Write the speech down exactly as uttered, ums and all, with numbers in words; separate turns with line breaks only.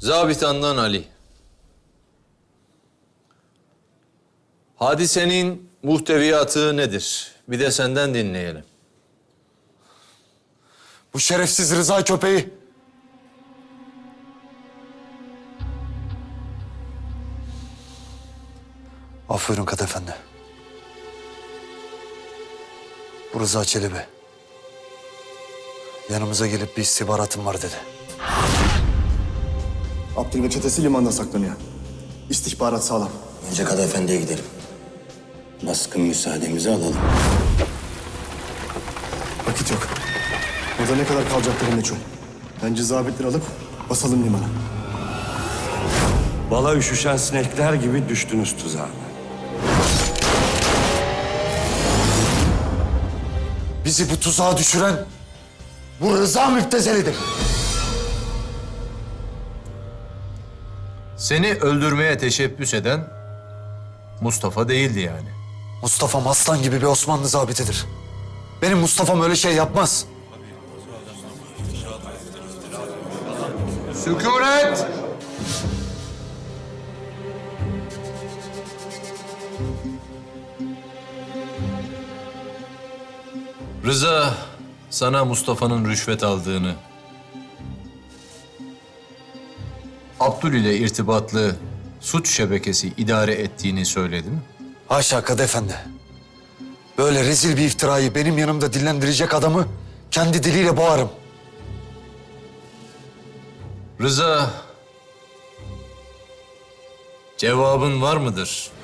Zabitandan Ali. Hadisenin muhteviyatı nedir? Bir de senden dinleyelim.
Bu şerefsiz Rıza köpeği af buyurun Kadı Efendi. Bu Rıza Çelebi yanımıza gelip bir istihbaratım var dedi.
Abdül ve çetesi limanda saklanıyor. İstihbarat sağlam.
Önce Kadı Efendi'ye gidelim. Baskın müsaademizi alalım.
Vakit yok. Burada ne kadar kalacakları meçhul. Bence zabitleri alıp basalım limana.
Bala üşüşen sinekler gibi düştünüz tuzağa.
Bizi bu tuzağa düşüren bu Rıza müptezelidir.
Seni öldürmeye teşebbüs eden Mustafa değildi yani.
Mustafa'm aslan gibi bir Osmanlı zabitidir. Benim Mustafa'm öyle şey yapmaz.
Sükunet! Rıza sana Mustafa'nın rüşvet aldığını, Abdül ile irtibatlı suç şebekesi idare ettiğini söyledi mi?
Haşa Kadı Efendi. Böyle rezil bir iftirayı benim yanımda dillendirecek adamı kendi diliyle boğarım.
Rıza, cevabın var mıdır?